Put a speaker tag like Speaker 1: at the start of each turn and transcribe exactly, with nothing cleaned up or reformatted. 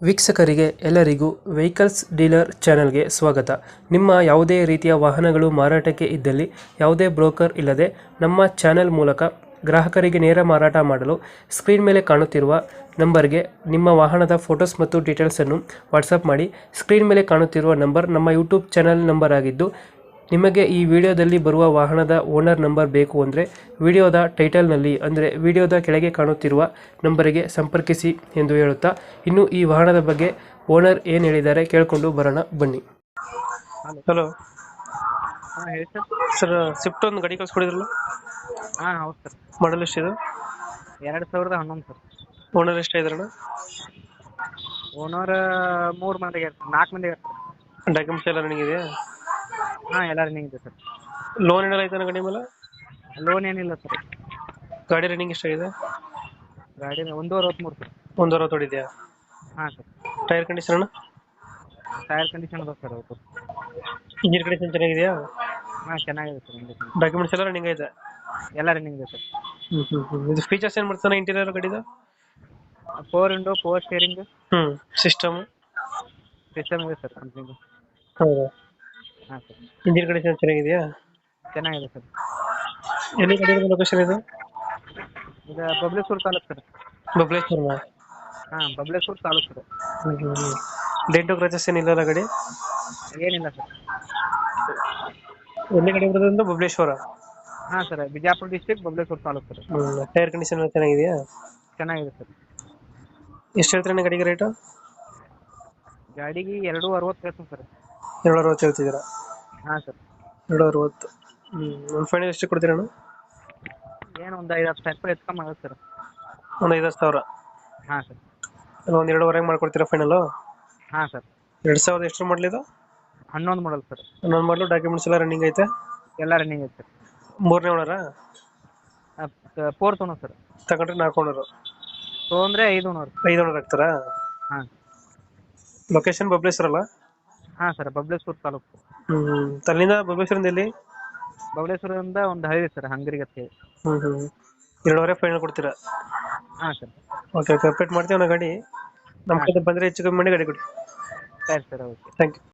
Speaker 1: ವೀಕ್ಷಕರಿಗೆ ಎಲ್ಲರಿಗೂ vehicles dealer ಚಾನೆಲ್ಗೆ ಸ್ವಾಗತ. ನಿಮ್ಮ ಯಾವುದೇ ರೀತಿಯ ವಾಹನಗಳು ಮಾರಾಟಕ್ಕೆ ಇದ್ದಲ್ಲಿ ಯಾವುದೇ ಬ್ರೋಕರ್ ಇಲ್ಲದೆ ನಮ್ಮ ಚಾನೆಲ್ ಮೂಲಕ ಗ್ರಾಹಕರಿಗೆ ನೇರ ಮಾರಾಟ ಮಾಡಲು ಸ್ಕ್ರೀನ್ ಮೇಲೆ ಕಾಣುತ್ತಿರುವ ನಂಬರ್ಗೆ ನಿಮ್ಮ ವಾಹನದ ಫೋಟೋಸ್ ಮತ್ತು ಡೀಟೇಲ್ಸನ್ನು ವಾಟ್ಸಪ್ ಮಾಡಿ. ಸ್ಕ್ರೀನ್ ಮೇಲೆ ಕಾಣುತ್ತಿರುವ ನಂಬರ್ ನಮ್ಮ ಯೂಟ್ಯೂಬ್ ಚಾನೆಲ್ ನಂಬರ್ ಆಗಿದ್ದು, ನಿಮಗೆ ಈ ವಿಡಿಯೋದಲ್ಲಿ ಬರುವ ವಾಹನದ ಓನರ್ ನಂಬರ್ ಬೇಕು ಅಂದರೆ ವಿಡಿಯೋದ ಟೈಟಲ್ನಲ್ಲಿ ಅಂದರೆ ವಿಡಿಯೋದ ಕೆಳಗೆ ಕಾಣುತ್ತಿರುವ ನಂಬರಿಗೆ ಸಂಪರ್ಕಿಸಿ ಎಂದು ಹೇಳುತ್ತಾ, ಇನ್ನು ಈ ವಾಹನದ ಬಗ್ಗೆ ಓನರ್ ಏನು ಹೇಳಿದ್ದಾರೆ ಕೇಳಿಕೊಂಡು ಬರೋಣ ಬನ್ನಿ.
Speaker 2: ಹಲೋ.
Speaker 1: ಹಲೋ
Speaker 2: ಹಾಂ ಹೇಳಿ ಸರ್.
Speaker 1: ಸರ್, ಸ್ವಿಫ್ಟ್ ಒಂದು ಗಾಡಿ ಕಳಿಸ್ಕೊಡಿದ್ರಲ್ಲ,
Speaker 2: ಹಾಂ ಹೌದು ಸರ್.
Speaker 1: ಮಾಡಲ್ ಎಷ್ಟಿದೆ?
Speaker 2: ಎರಡು ಸಾವಿರದ ಹನ್ನೊಂದು ಸರ್.
Speaker 1: ಓನರ್ ಎಷ್ಟಾಗಿದ್ರಣ?
Speaker 2: ಓನರ್ ಮೂರು ಮಂದಿಗೆ ಇರ್ತಾರೆ, ನಾಲ್ಕು ಮಂದಿಗೆ ಇರ್ತಾರೆ.
Speaker 1: ಡಾಕ್ಯುಮೆಂಟ್ಸ್ ಎಲ್ಲ ರನ್ನಿಂಗ್ ಇದೆಯಾ?
Speaker 2: ಹಾಂ ಎಲ್ಲ ರನ್ನಿಂಗ್ ಇದೆ ಸರ್.
Speaker 1: ಲೋನ್ ಏನಾರ ಐತೆ ಗಾಡಿ ಮೇಲೆ?
Speaker 2: ಲೋನ್ ಏನಿಲ್ಲ ಸರ್.
Speaker 1: ಗಾಡಿ ರನ್ನಿಂಗ್ ಎಷ್ಟಾಗಿದೆ?
Speaker 2: ಗಾಡಿ ಒಂದು ಅರವತ್ತ್ಮೂರು ಸರ್.
Speaker 1: ಒಂದು ಅರವತ್ತು ಹೊಡಿದೆಯಾ?
Speaker 2: ಹಾಂ sir.
Speaker 1: Tyre condition?
Speaker 2: Tyre condition ಅದ ಸರ್ ಅವತ್ತು.
Speaker 1: ಇಂಜಿನ್ ಕಂಡೀಷನ್ ಚೆನ್ನಾಗಿದೆಯಾ?
Speaker 2: ಹಾಂ ಚೆನ್ನಾಗಿದೆ ಸರ್. ಇಂಜಿನ್
Speaker 1: ಡಾಕ್ಯುಮೆಂಟ್ಸ್ ಎಲ್ಲ ರನ್ನಿಂಗ್ ಐತೆ?
Speaker 2: ಎಲ್ಲ ರನ್ನಿಂಗ್ ಇದೆ ಸರ್.
Speaker 1: ಹ್ಮ್ ಹ್ಮ್ ಹ್ಮ್ ಇದು ಫೀಚರ್ಸ್ ಏನು ಮಾಡ್ತಾನೆ ಇಂಟೀರಿಯರ್ ಗಾಡಿದು?
Speaker 2: Four window, power steering,
Speaker 1: hmm system
Speaker 2: system ಇದೆ ಸರ್ ಕಂಪ್ನಿದು.
Speaker 1: ಹೌದಾ?
Speaker 2: ಹಾಂ ಸರ್.
Speaker 1: ಇಂಜಿನ್ ಕಂಡೀಷನ್ ಚೆನ್ನಾಗಿದೆಯಾ?
Speaker 2: ಚೆನ್ನಾಗಿದೆ ಸರ್.
Speaker 1: ಎಲ್ಲಿ ಗಾಡಿ ಲೊಕೇಶನ್ ಇದು?
Speaker 2: ಇದು ಬಬ್ಲೇಶ್ವರ ತಾಲೂಕು ಸರ್.
Speaker 1: ಬಬಲೇಶ್ವರ?
Speaker 2: ಹಾಂ ಬಬ್ಲೇಶ್ವರ ತಾಲೂಕು ಸರ್.
Speaker 1: ಹ್ಮ್ ಹ್ಮ್ ಹ್ಮ್ ಡೆಂಟು ಕ್ರಚಸ್ ಏನಿಲ್ಲ ಗಾಡಿ?
Speaker 2: ಏನಿಲ್ಲ ಸರ್.
Speaker 1: ಎಲ್ಲಿ ಗಾಡಿ ಬರೋದ್ರಿಂದ ಬಬಲೇಶ್ವರ?
Speaker 2: ಹಾಂ sir, Bijapur district, Babaleshwar taluk sir.
Speaker 1: ಹ್ಮ್ ಟೈರ್ ಕಂಡೀಷನ್ ಎಲ್ಲ ಚೆನ್ನಾಗಿದೆಯಾ?
Speaker 2: ಚೆನ್ನಾಗಿದೆ ಸರ್.
Speaker 1: ಎಷ್ಟು ಹೇಳ್ತೀರಾ ಗಾಡಿಗೆ ರೇಟು?
Speaker 2: ಗಾಡಿಗೆ ಎರಡು ಅರವತ್ತು ಹೇಳ್ತೀನಿ ಸರ್.
Speaker 1: ಎರಡು ಅರವತ್ತು ಹೇಳ್ತಿದ್ದೀರಾ?
Speaker 2: ಹಾಂ ಸರ್.
Speaker 1: ಎರಡು ಅರವತ್ತು. ಹ್ಮ್ ಒಂದು ಫೈನಲ್ ಎಷ್ಟು ಕೊಡ್ತೀರಣ್ಣ?
Speaker 2: ಏನು ಒಂದು ಐದು ಹತ್ತು ಸಾವಿರ ರೂಪಾಯಿ ಹೆಚ್ಚು ಕಮ್ಮಿ ಆಗುತ್ತೆ ಸರ್.
Speaker 1: ಒಂದು ಐದು ಸಾವಿರ?
Speaker 2: ಹಾಂ ಸರ್.
Speaker 1: ಅಲ್ಲ ಒಂದು ಎರಡುವರೆಗೆ ಮಾಡ್ಕೊಡ್ತೀರಾ ಫೈನಲು?
Speaker 2: ಹಾಂ ಸರ್.
Speaker 1: ಎರಡು ಸಾವಿರದ ಎಷ್ಟು ಮಾಡಲಿದು?
Speaker 2: ಹನ್ನೊಂದು ಮಾಡಲ್ ಸರ್.
Speaker 1: ಹನ್ನೊಂದು ಮಾಡಲು. ಡಾಕ್ಯುಮೆಂಟ್ಸ್ ಎಲ್ಲ ರನ್ನಿಂಗ್ ಐತೆ?
Speaker 2: ಎಲ್ಲ ರನ್ನಿಂಗ್ ಐತೆ ಸರ್.
Speaker 1: ಮೂರನೇ ಓನರಾ?
Speaker 2: Fourth owner sir.
Speaker 1: ತಗೊಂಡ್ರೆ ನಾಲ್ಕು ಓನರು?
Speaker 2: ತೊಗೊಂಡ್ರೆ ಐದು ಓನರ್.
Speaker 1: ಐದು ಓನರ್ ಆಗ್ತಾರಾ?
Speaker 2: ಹಾಂ.
Speaker 1: ಲೊಕೇಶನ್ ಬಬಲೇಶ್ವರ ಅಲ್ಲ?
Speaker 2: ಹಾಂ ಸರ್, ಬಬ್ಲೇಶ್ವರ ತಾಲೂಕು.
Speaker 1: ಹ್ಮ್ ತಲ್ಲಿಂದ ಬಬಲೇಶ್ವರಿಂದ ಎಲ್ಲಿ?
Speaker 2: ಬಬ್ಲೇಶ್ವರದಿಂದ ಒಂದು ಹಳ್ಳಿ ಸರ್, ಹಂಗರಿಗೆ ಅಂತ ಹೇಳಿ.
Speaker 1: ಹ್ಮ್ ಹ್ಮ್ ಎರಡುವರೆ ಫೈನಲ್ ಕೊಡ್ತೀರಾ?
Speaker 2: ಹಾಂ ಸರ್.
Speaker 1: ಓಕೆ ಓಕೆ ಅಪ್ಡೇಟ್ ಮಾಡ್ತೀವಿ ನಾ ಗಾಡಿ. ನಮ್ಮ ಕಡೆ ಬಂದರೆ ಹೆಚ್ಚು ಕಮ್ಮಿ ಮಾಡಿ ಗಾಡಿ ಕೊಡಿ.
Speaker 2: ಸರಿ ಸರ್, ಓಕೆ.
Speaker 1: Thank you.